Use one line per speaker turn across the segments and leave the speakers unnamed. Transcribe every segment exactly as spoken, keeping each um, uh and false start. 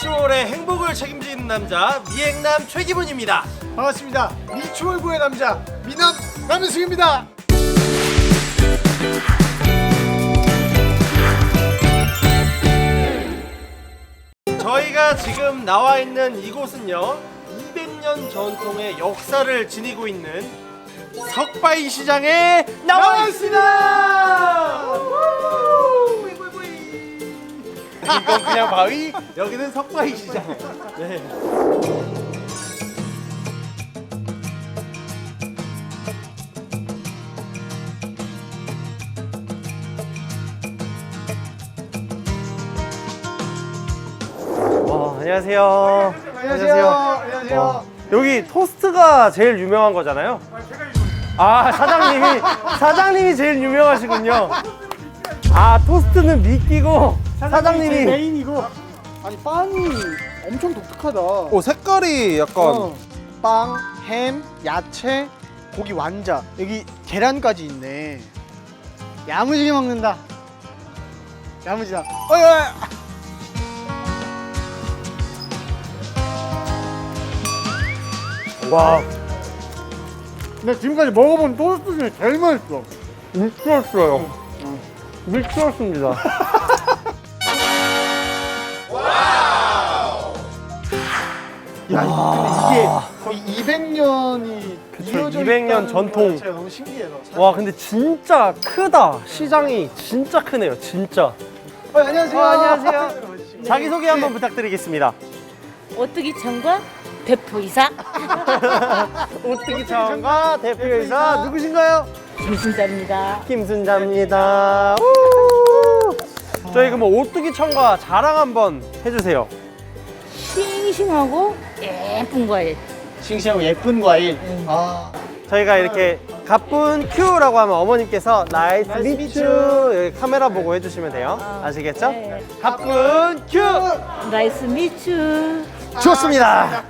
미추홀의 행복을 책임지는 남자 미행남 최기문입니다.
반갑습니다. 미추홀부의 남자 미남 남윤승입니다.
저희가 지금 나와 있는 이곳은요, 이백 년 전통의 역사를 지니고 있는 석바위 시장에 나와 있습니다. 이건 그냥 바위, 여기는 석바위 시장. 네. 와, 안녕하세요.
안녕하세요. 안녕하세요.
와, 여기 토스트가 제일 유명한 거잖아요. 아, 사장님이 사장님이 제일 유명하시군요. 아, 토스트는 미끼고 사장님이
메인이고. 아니 빵이 엄청 독특하다.
오, 색깔이 약간
어. 빵, 햄, 야채, 고기 완자. 여기 계란까지 있네. 야무지게 먹는다. 야무지다. 어이 어이.
와,
나 지금까지 먹어본 토스트 중에 제일 맛있어.
미쳤어요. 미쳤습니다.
야, 근데 이게 거의 이백 년이
그쵸,
이어져
이백 년
있다는
전통.
거 자체가 너무 신기해서.
와, 근데 진짜 크다. 시장이 진짜 크네요. 진짜.
어, 안녕하세요.
어, 안녕하세요. 자기소개 한번 부탁드리겠습니다.
오뚜기 청과 대표이사
오뚜기 차원과 대표이사 누구신가요?
김순자입니다.
김순자입니다. 우! 저희 그럼 오뚜기 청과 자랑 한번 해주세요.
싱싱하고 예쁜 과일.
싱싱하고 예쁜 과일. 아,
저희가 이렇게 가쁜 큐라고 하면 어머님께서 나이스
나이스
미추
미추.
여기 카메라 보고 해주시면 돼요. 아시겠죠?
네.
가쁜 큐!
나이스 미추.
좋습니다.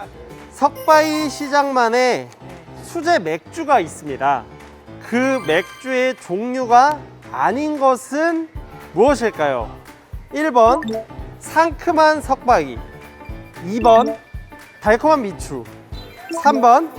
석바위 시장만의 수제 맥주가 있습니다. 그 맥주의 종류가 아닌 것은 무엇일까요? 일 번 상큼한 석바위, 이 번 달콤한 미추, 삼 번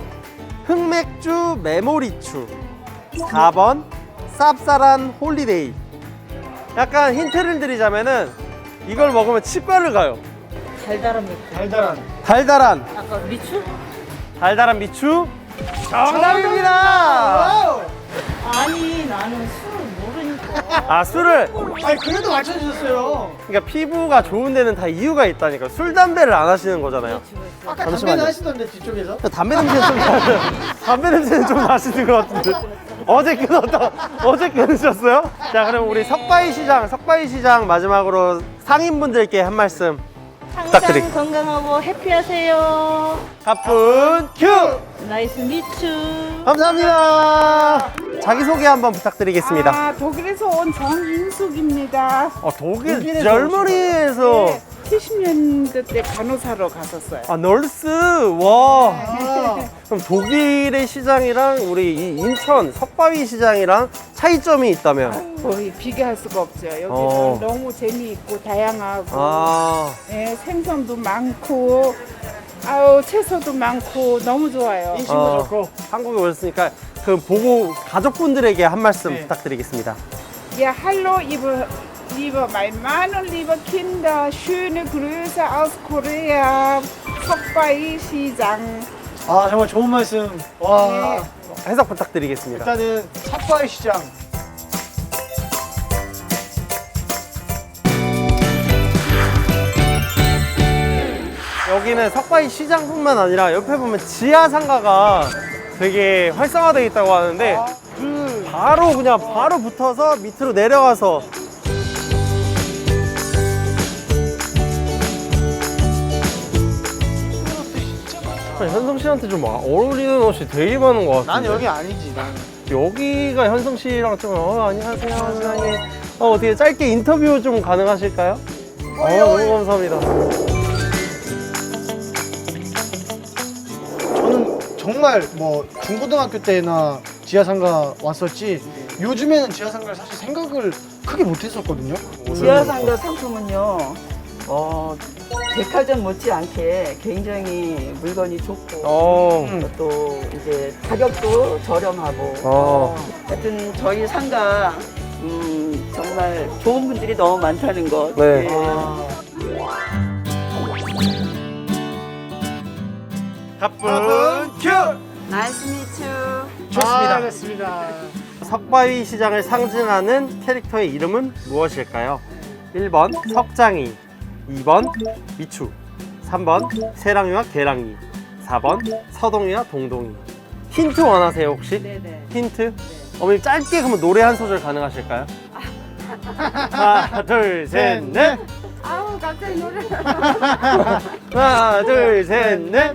흑맥주 메모리추, 사 번 쌉쌀한 홀리데이. 약간 힌트를 드리자면은 이걸 먹으면 치과를 가요.
달달한 미추.
달달한.
달달한
아까 미추?
달달한 미추 정답입니다.
와우.
아니 나는 술을 모르니까.
아, 술을,
아니 그래도 맞춰주셨어요.
그러니까 피부가 좋은 데는 다 이유가 있다니까. 술 담배를 안 하시는 거잖아요.
아까
잠시만요.
담배는 하시던데 뒤쪽에서.
담배 냄새는 좀 나- 담배 냄새는 좀 나시는 것 같은데. 어제 끊었다. 어제 끊으셨어요? 자, 그럼 우리 석바위 시장, 석바위 시장 마지막으로 상인분들께 한 말씀
항상
부탁드립니다.
건강하고 해피하세요.
가쁜 큐!
나이스 미추.
감사합니다. 자기소개 한번 부탁드리겠습니다.
아, 독일에서 온 정인숙입니다.
어, 독일
독일에서
젊은이에서
네, 칠십 년대 때 간호사로 갔었어요.
아, 널스. 와.
아,
그럼 독일의 시장이랑 우리 이 인천 석바위 시장이랑 차이점이 있다면?
거의 비교할 수가 없죠. 여기는
어.
너무 재미있고 다양하고
아,
예, 생선도 많고 아우 채소도 많고 너무 좋아요.
인심도
어.
좋고.
한국에 오셨으니까 그 보고 가족분들에게 한 말씀
네.
부탁드리겠습니다.
Ja, hallo, liebe, liebe mein Mann und liebe Kinder. Schöne Grüße aus Korea. Sokbae 시장.
아 정말 좋은 말씀. 와.
네.
해석 부탁드리겠습니다.
일단은 석바위 시장.
여기는 석바위 시장뿐만 아니라 옆에 보면 지하상가가 되게 활성화되어 있다고 하는데
그
바로 그냥 바로 붙어서 밑으로 내려가서 현성 씨한테 좀 어울리는 옷이 되게 많은 것 같은데.
난 여기 아니지. 난.
여기가 현성 씨랑 좀 어, 안녕하세요 사장님. 어, 어떻게 짧게 인터뷰 좀 가능하실까요? 어, 너무 감사합니다.
저는 정말 뭐 중고등학교 때나 지하상가 왔었지 요즘에는 지하상가를 사실 생각을 크게 못했었거든요.
지하상가 상품은요 어, 백화점 못지않게 굉장히 물건이 좋고
어.
또 이제 가격도 저렴하고
어.
하여튼 저희 상가 음, 정말 좋은 분들이 너무 많다는 것.
네. 가쁜 큐!
나이스 미츠.
좋습니다.
아, 됐습니다.
석바위 시장을 상징하는 캐릭터의 이름은 무엇일까요? 일 번 석장이, 이 번 미추, 삼 번 세랑이와 계랑이, 사 번 서동이와 동동이. 힌트 원하세요 혹시?
네네.
힌트? 어머님 짧게 그러면 노래 한 소절 가능하실까요? 하나 둘 셋 넷.
아우 갑자기 노래.
하나 둘 셋 넷.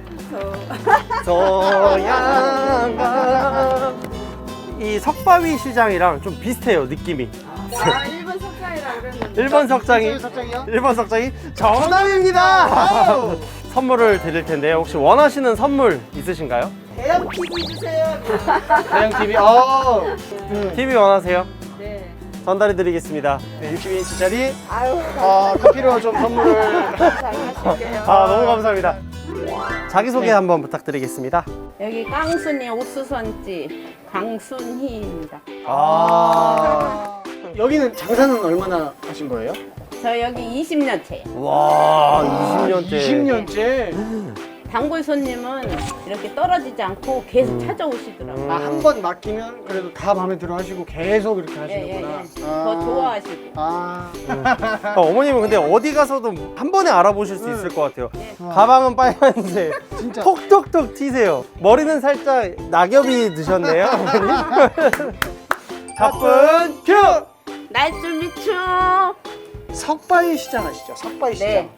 소양강. 이 석바위 시장이랑 좀 비슷해요 느낌이.
아 일본 석장이라고 그랬는데.
일 번 석장이
석장이요?
일 번 석장이 정답입니다. 선물을 드릴 텐데요. 혹시 원하시는 선물 있으신가요?
대형 티비 주세요.
대형 티비. 어.
티비 원하세요?
네.
전달해 드리겠습니다.
네, 육십 인치짜리
아유
아, 커피로 좀 선물을.
잘 마실게요.
아 너무 감사합니다. 자기소개 한번 부탁드리겠습니다.
여기 깡순이 옥수수집 강순희입니다.
아. 여기는 장사는 얼마나 하신 거예요?
저 여기 이십 년째.
와 이십 년째.
이십 년째.
단골 손님은 이렇게 떨어지지 않고 계속 찾아오시더라고요.
아, 한 번 맡기면 그래도 다 마음에 들어 하시고 계속 이렇게
예, 예,
하시는구나.
예. 더 좋아하시고.
아.
어, 어머님은 근데 어디 가서도 한 번에 알아보실 수 있을 것 같아요. 가방은 빨간색,
진짜.
톡톡톡 튀세요. 머리는 살짝 낙엽이 드셨네요. 가쁜 큐!
나이스 미추.
석바위 시장 아시죠? 석바위 시장.
네.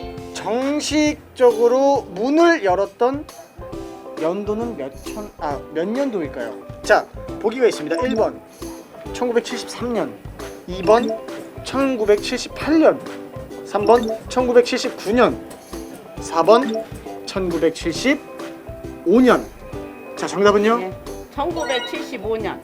정식적으로 문을 열었던 연도는 몇 천, 아, 몇 년도일까요? 자, 보기가 있습니다. 일 번 천구백칠십삼 년, 이 번 천구백칠십팔 년, 삼 번 천구백칠십구 년, 사 번 천구백칠십오 년. 자, 정답은요?
네. 천구백칠십오 년.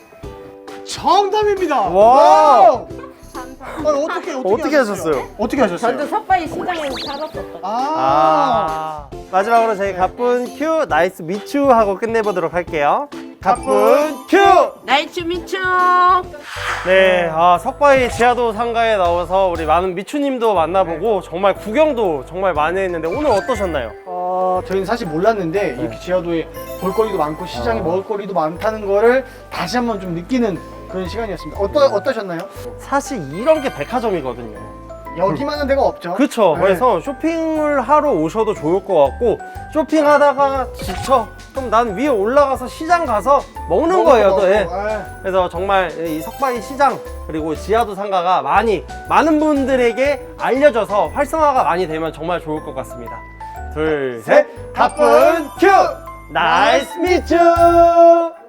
정답입니다.
와.
아니, 어떻게 어떻게,
어떻게 하셨어요?
어떻게 하셨어요?
저도 석바위 시장에서 살았었거든요.
아.
아. 마지막으로 저희 가쁜 큐 나이스 미추 하고 끝내보도록 할게요. 가쁜 큐!
나이스 미추.
네, 아, 석바위 지하도 상가에 나와서 우리 많은 미추님도 만나보고 정말 구경도 정말 많이 했는데 오늘 어떠셨나요?
어, 저희는 사실 몰랐는데 이렇게 지하도에 볼거리도 많고 시장에
어.
먹을거리도 많다는 거를 다시 한번 좀 느끼는 그런 시간이었습니다. 어떠, 어떠셨나요?
사실 이런 게 백화점이거든요.
여기만한 데가 없죠.
그쵸.
네.
그래서 쇼핑을 하러 오셔도 좋을 것 같고 쇼핑하다가 지쳐. 그럼 난 위에 올라가서 시장 가서 먹는
먹어,
거예요.
먹어,
또. 예.
먹어. 아,
그래서 정말 이 석바위 시장 그리고 지하도 상가가 많이 많은 분들에게 알려져서 활성화가 많이 되면 정말 좋을 것 같습니다. 둘, 셋, 가쁜 큐! 나이스 미츠!